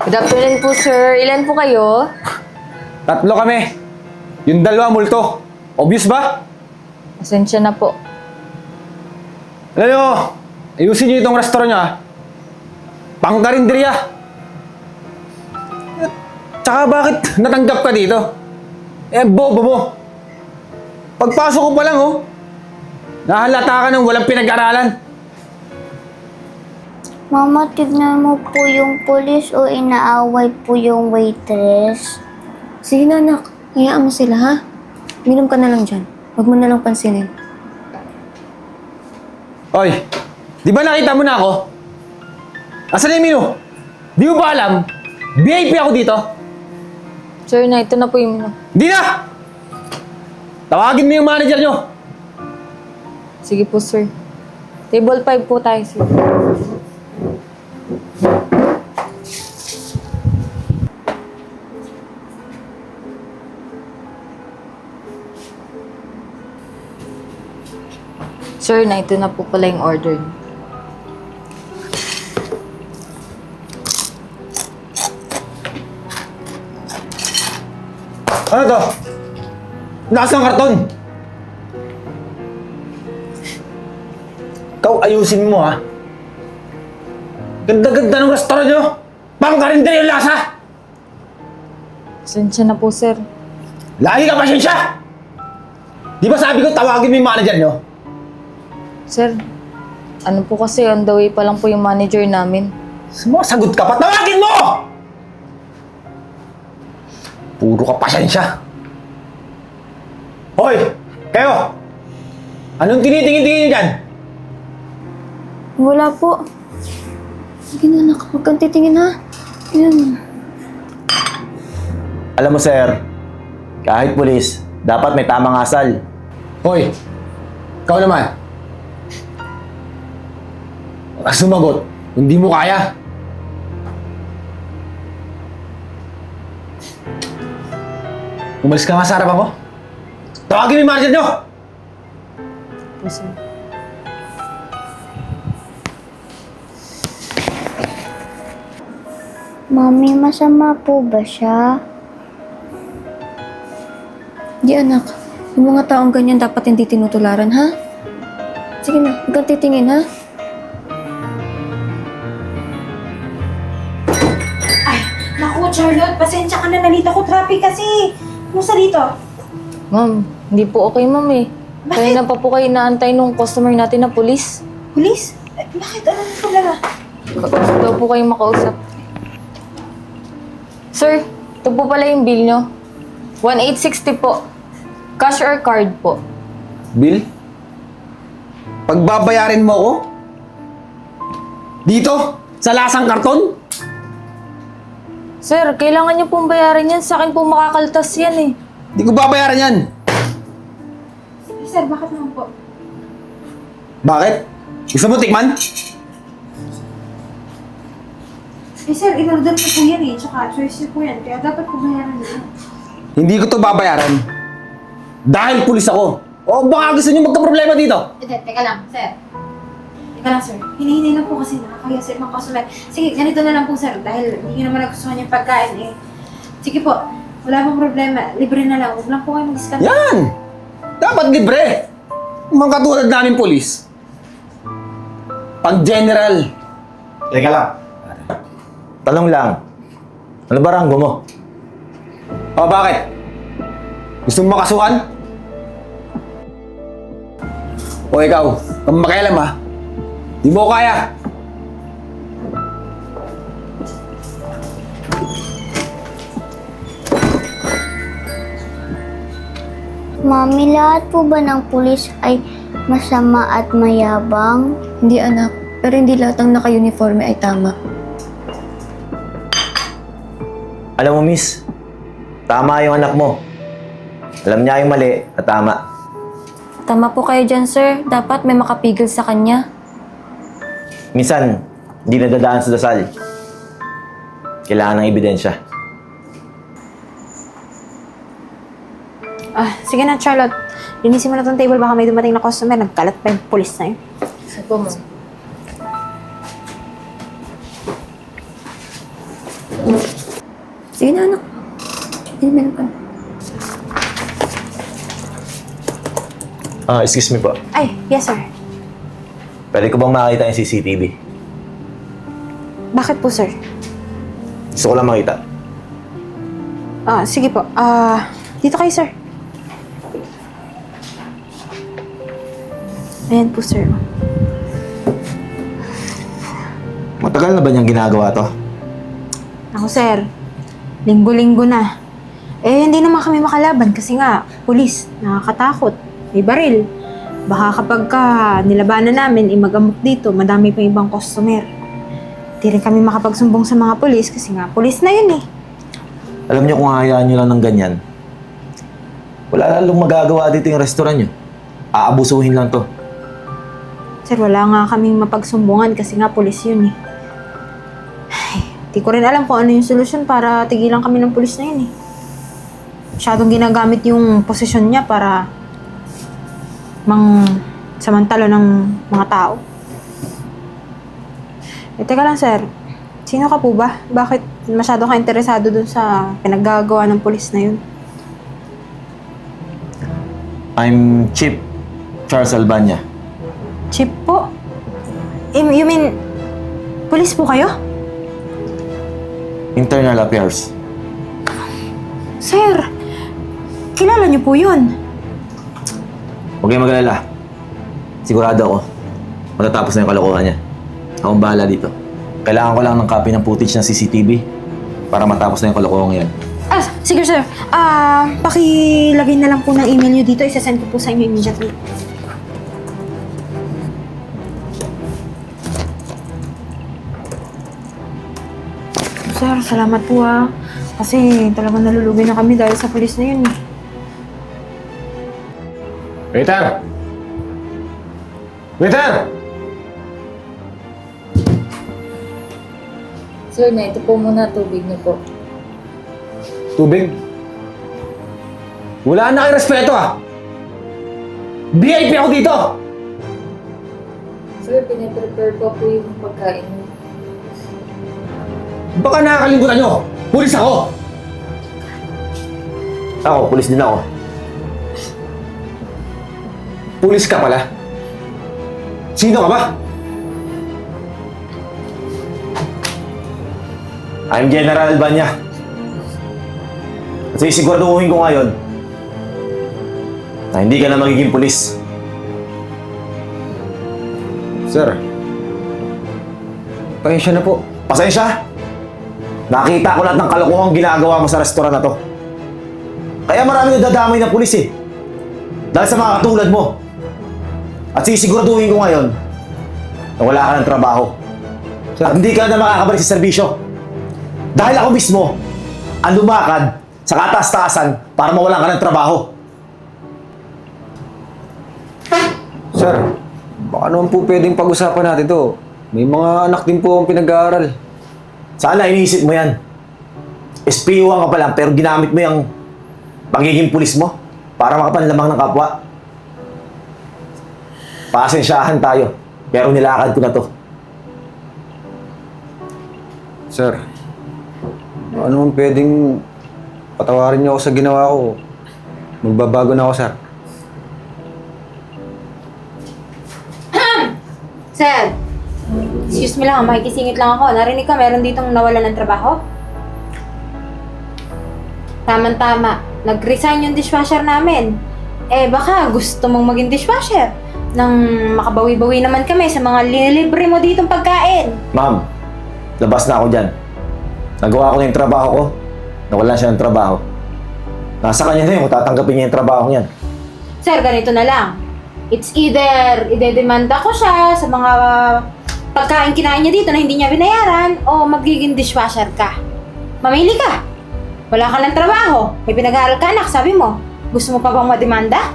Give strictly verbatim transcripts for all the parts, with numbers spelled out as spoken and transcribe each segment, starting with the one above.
Good afternoon po, sir. Ilan po kayo? Tatlo kami. Yung dalawa, multo. Obvious ba? Pasensya na po. Alam nyo, ayusin nyo itong restaurant nyo, ha? Pangkarinderya. Tsaka bakit natanggap ka dito? Eh, bobo mo. Pagpasok ko pa lang, oh. Nahalata ka ng walang pinag-aralan. Mama, tignan mo po yung pulis o inaaway po yung waitress. Sige na anak, hayaan mo sila ha. Minom ka na lang dyan. Huwag mo na lang pansinin. Oy, di ba nakita mo na ako? Asan na yung menu? Di mo ba alam? V I P ako dito. Sir, na ito na po yung... Di na! Tawagin mo yung manager nyo. Sige po, sir. Table five po tayo, sir. Sir, na ito na po pala yung order niyo. Ano to? Lakas ng karton. Ikaw, ayusin mo, ha? Ganda-ganda ng restaurant nyo. Pangkarinderya yung lasa. Pasensya na po, sir. Lagi ka pasensya. Di ba sabi ko tawagin mo yung manager nyo? Sir, ano po kasi, on the way pa lang po yung manager namin. Sumasagot ka pa, tawagin mo! Puro ka pasensya. Hoy! Kayo! Anong tinitingin-tingin dyan? Wala po. Sige na anak, huwag kang titingin ha. Yan. Alam mo, sir, kahit pulis, dapat may tamang asal. Hoy! Ikaw naman. Huwag sumagot. Hindi mo kaya. Umalis ka nga sa harap ako. Tawagin mo yung manager nyo! Po, sir. Mami, masama po ba siya? Di anak, yung mga taong ganyan dapat hindi tinutularan ha. Sige na, huwag kang titingin ha. Naku, Charlotte, pasensya ka na. Nalito ko traffic kasi. Kumusta dito? Ma'am, hindi po okay, ma'am eh. Bakit? Kaya na pa po kayo naantay nung customer natin na pulis. Police? Eh, bakit? Anong problema? Gusto daw po kayong makausap. Sir, ito po pala yung bill nyo. one eight sixty po. Cash or card po? Bill? Pagbabayarin mo ako? Dito? Sa lasang karton? Sir, kailangan nyo pong bayaran yan. Sa akin po makakaltas yan eh. Hindi ko babayaran yan. Eh, sir, bakit naman po? Bakit? Gusto mo tikman? Eh, sir, in-order ko po yan eh. Tsaka choice niyo po yan. Kaya dapat po bayaran niyo. Hindi ko to babayaran. Dahil pulis ako. O baka gusto niyo magka-problema dito. Hindi, teka lang, sir. Teka lang, sir. Hinihinay lang po kasi nakakaya sa ibang customer. Sige, ganito na lang po, sir. Dahil hindi niyo naman nagustuhan yung pagkain eh. Sige po, wala pong problema. Libre na lang. Huwag lang po kayo mag-discount. Yan! Dapat libre. Mga katulad namin pulis. Pag general. Teka lang. Tanong lang, ano ba ranggo mo? O bakit? Gusto mo makasuhan? O ikaw, kung makialam ha, di mo ko kaya. Mami, lahat po ba ng pulis ay masama at mayabang? Hindi anak, pero hindi lahat ng naka-uniforme ay tama. Alam mo, miss, tama yung anak mo. Alam niya yung mali at tama. Tama po kayo dyan sir, dapat may makapigil sa kanya. Minsan, hindi nadadaan sa dasal. Kailangan ng ebidensya. Ah, sige na, Charlotte. Linisin mo na tong table. Baka may dumating na customer. Nagkalat pa yung police na yun. Sige po, ma'am. Sige na, anak. Inumin ka. Ah, excuse me po. Ay, yes sir. Pwede ko bang makita yung C C T V? Bakit po sir? Gusto ko lang makita. Ah, sige po. Ah, dito kayo sir. Ayan po sir. Matagal na ba niyang ginagawa to? Ako sir, linggo-linggo na. Eh, hindi naman kami makalaban kasi nga, pulis, nakakatakot, may baril. Baka kapag ka nilabanan namin, imagamok dito, madami pang ibang customer. Hindi rin kami makapagsumbong sa mga pulis kasi nga, pulis na yun eh. Alam niyo kung hayaan niyo lang ng ganyan, wala lalong magagawa dito yung restaurant niyo. Aabusuhin lang to. Sir, wala nga kaming mapagsumbungan kasi nga, pulis yun eh. Ay, di ko rin alam kung ano yung solusyon para tigilan kami ng pulis na yun eh. Masyadong ginagamit yung posisyon niya para mang samantalo ng mga tao. Eh, teka lang sir, sino ka po ba? Bakit masyado ka interesado dun sa pinaggagawa ng pulis na yun? I'm Chief Charles Albania. Chip po? You you mean, pulis po kayo? Internal Affairs. Sir, kilala niyo po yun. Huwag kayong mag-alala. Sigurado ako, matatapos na yung kalokohan niya. Akong bahala dito. Kailangan ko lang ng copy ng footage ng C C T V para matapos na yung kalokohan yan. Ah, sige sir. Ah, pakilagay na lang po ng email niyo dito. Isasend ko po sa inyo immediately. Sir, salamat po ah. Kasi talagang nalulugi na kami dahil sa pulis na yun eh. Waiter! Waiter! Sir, na ito po muna tubig niyo po. Tubig? Wala na kayo respeto ah! V I P ako dito! Sir, piniprepare po po yung pagkain niyo. Baka nakakalimutan nyo! Pulis ako! Ako, pulis din ako. Pulis ka pala? Sino ka ba? I'm General Albania. At sisiguraduhin ko ngayon na hindi ka na magiging pulis. Sir, pasensya na po. Pasensya! Nakita ko lahat ng kalokohang ginagawa mo sa restaurant na to. Kaya marami nadadamay na pulis eh. Dahil sa mga katulad mo. At sisiguraduhin ko ngayon na wala ka ng trabaho. Sir, At hindi ka na makakabalik sa serbisyo. Dahil ako mismo ang lumakad sa kataas-taasan para mawalan ka ng trabaho. Sir, baka naman po pwedeng pag-usapan natin to. May mga anak din po ang pinag-aaral. Sana iniisip mo yan. S P O ka pa lang pero ginamit mo yung pagiging pulis mo para makapanlamang ng kapwa. Pasensyahan tayo pero nilakad ko na to. Sir, baka naman pwedeng patawarin niyo ako sa ginawa ko. Magbabago na ako, sir. Sir, excuse me lang, makikisingit lang ako. Narinig ka, meron ditong nawalan ng trabaho? Tama-tama, nag-resign yung dishwasher namin. Eh, baka gusto mong maging dishwasher nang makabawi-bawi naman kami sa mga linilibre mo ditong pagkain. Ma'am, labas na ako dyan. Nagawa ko na yung trabaho ko. Nawalan siya ng trabaho. Nasa kanya na yun kung tatanggapin niya yung trabaho niyan. Sir, ganito na lang. It's either idedemanda ko siya sa mga pagkain kinain niya dito na hindi niya binayaran o magiging dishwasher ka. Mamili ka. Wala ka ng trabaho. May pinag-aaral ka, anak, sabi mo. Gusto mo pa bang mademanda?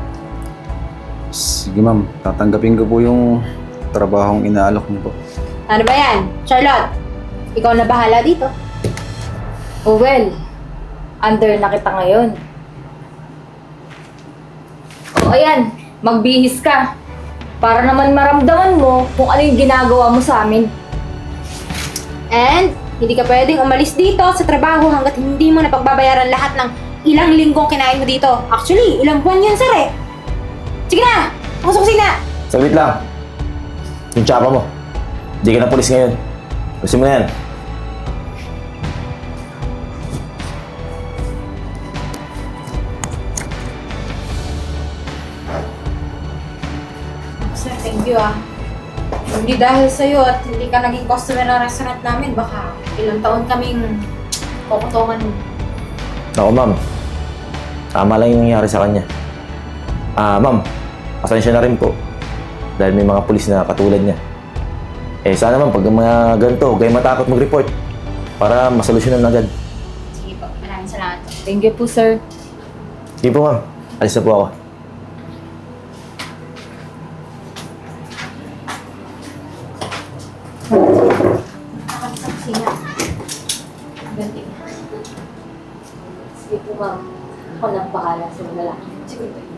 Sige ma'am, tatanggapin ko po yung trabahong inaalok niyo po. Ano ba yan? Charlotte, ikaw na bahala dito. Oh well, under na kita ngayon. O ayan, magbihis ka. Para naman maramdaman mo kung ano yung ginagawa mo sa amin. And Hindi ka pwedeng umalis dito sa trabaho hanggat hindi mo napagbabayaran lahat ng ilang linggong kinain mo dito. Actually, ilang buwan yun, sir eh. Sige na! Ako sa kusina! Saglit lang. Yung tsapa mo. Hindi ka na pulis ngayon. Gusto mo na yan. Sir, thank you ah. Hindi dahil sa'yo at hindi ka naging customer ng restaurant namin, baka ilang taon kaming kukutungan mo. Ako, ma'am. Tama lang yung nangyari sa kanya. Ah, ma'am. Pasensya na rin po. Dahil may mga pulis na katulad niya. Eh, sana ma'am, pag mga ganito, huwag kayong matakot mag-report. Para masolusyonan agad. Sige po, maraming salamat po. Thank you po, sir. Sige po, ma'am. Alis na po ako. Ako sa kusina. Ganti. Sige po, ma'am. Ako nang bahala sa lalaki. Sige po.